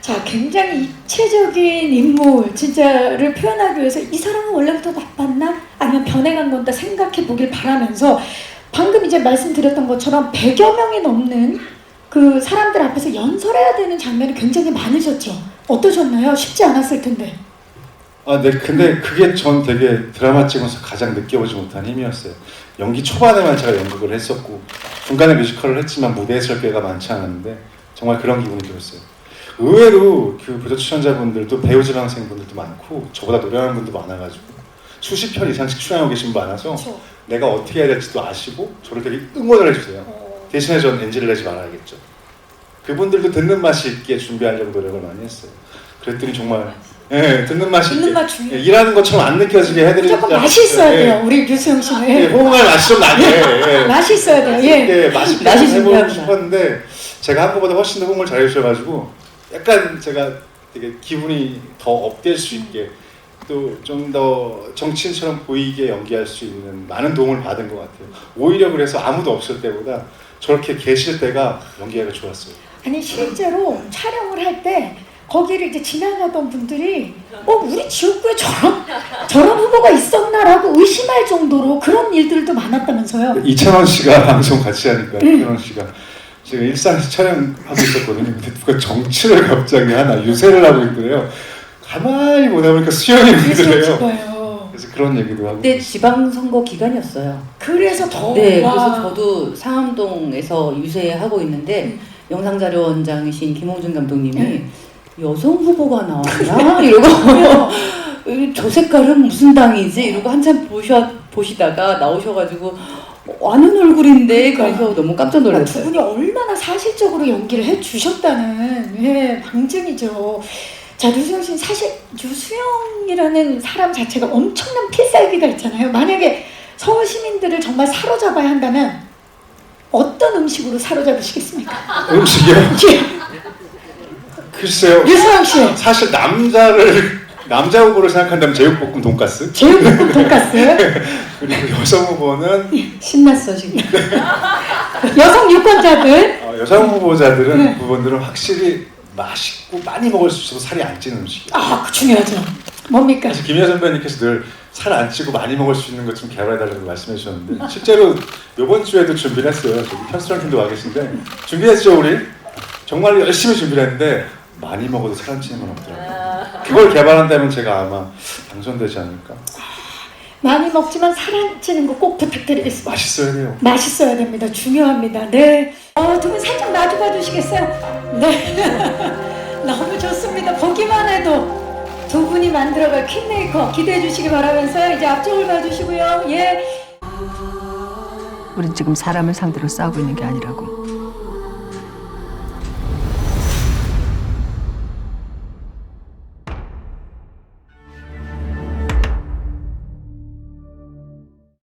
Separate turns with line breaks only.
자, 굉장히 입체적인 인물 진짜를 표현하기 위해서 이 사람은 원래부터 나빴나? 아니면 변해간 건다 생각해 보길 바라면서 방금 이제 말씀드렸던 것처럼 100여 명이 넘는 그 사람들 앞에서 연설해야 되는 장면이 굉장히 많으셨죠? 어떠셨나요? 쉽지 않았을 텐데.
아, 네, 근데 그게 전 되게 드라마 찍으면서 가장 느껴보지 못한 힘이었어요. 연기 초반에만 제가 연극을 했었고 중간에 뮤지컬을 했지만 무대에 설 기회가 많지 않았는데 정말 그런 기분이 들었어요. 의외로 그 부조 출연자분들도 배우 지망생분들도 많고 저보다 노래하는 분도 많아가지고 수십 편 이상씩 출연하고 계신 분 많아서
그렇죠.
내가 어떻게 해야 될지도 아시고 저를 되게 응원을 해주세요. 대신에 전 NG를 내지 말아야겠죠. 그분들도 듣는 맛이 있게 준비하려고 노력을 많이 했어요. 그랬더니 정말 듣는 맛이
듣는
있게
맛 중요해요.
일하는 것처럼 안 느껴지게 해드리자.
무조건 맛이 있어야 돼요. 우리 유수영 씨는.
호응할 맛이 좀 나게.
맛이 있어야 돼요. 예.
맛있게
맛이
해보고
중요합니다.
싶었는데 제가 한 것보다 훨씬 더 호응을 잘해주셔가지고 약간 제가 되게 기분이 더 업될 수 있게 또 좀 더 정치인처럼 보이게 연기할 수 있는 많은 도움을 받은 것 같아요. 오히려 그래서 아무도 없을 때보다 저렇게 계실 때가 연기하기가 좋았어요.
아니 실제로 촬영을 할 때 거기를 이제 지나가던 분들이 우리 지역구에 저런 후보가 있었나라고 의심할 정도로 그런 일들도 많았다면서요.
이찬원 씨가 방송 같이 하니까 이찬원 씨가 제가 일상에서 촬영하고 있었거든요. 근데 누가 정치를 갑자기 하나 유세를 하고 있더래요. 가만히 보다 보니까 수영이 있더래요.
거예요.
그래서 그런 얘기도 하고.
그때 지방선거 기간이었어요.
그래서 더
네,
와.
그래서 저도 상암동에서 유세하고 있는데 영상자료원장이신 김홍준 감독님이 여성 후보가 나왔나? 이러고 저 색깔은 무슨 당이지? 이러고 한참 보시다가 나오셔가지고 아는 얼굴인데 그래서 너무 깜짝
두
놀랐어요.
분이 얼마나 사실적으로 연기를 해주셨다는 방증이죠. 자, 류수영 씨는 사실 류수영이라는 사람 자체가 엄청난 필살기가 있잖아요. 만약에 서울 시민들을 정말 사로잡아야 한다면 어떤 음식으로 사로잡으시겠습니까?
음식이요?
예.
글쎄요.
류수영 씨.
사실 남자 후보를 생각한다면 제육볶음 돈가스.
제육볶음 돈가스.
그리고 여성 후보는
신났어 지금. 여성 유권자들.
여성 후보자들은 부분들은 확실히 맛있고 많이 먹을 수 있어도 살이 안 찌는 음식이에요.
그 중요하죠. 뭡니까?
사실 김희아 선배님께서 늘 살 안 찌고 많이 먹을 수 있는 것 좀 개발해달라고 말씀해 주셨는데 실제로 이번 주에도 준비를 했어요. 저기 현수랑 팀도 와 계신데 준비했죠 우리? 정말 열심히 준비를 했는데 많이 먹어도 살 안 찌는 건 없더라고요. 그걸 개발한다면 제가 아마 당선되지 않을까.
많이 먹지만 살 안 찌는 거 꼭 부탁드리겠습니다.
맛있어야 돼요.
맛있어야 됩니다. 중요합니다. 네. 두 분 살짝 놔줘봐 주시겠어요? 네. 너무 좋습니다. 보기만 해도 두 분이 만들어갈 퀸메이커 기대해 주시기 바라면서요. 이제 앞쪽을 봐주시고요. 예.
우린 지금 사람을 상대로 싸우고 있는 게 아니라고.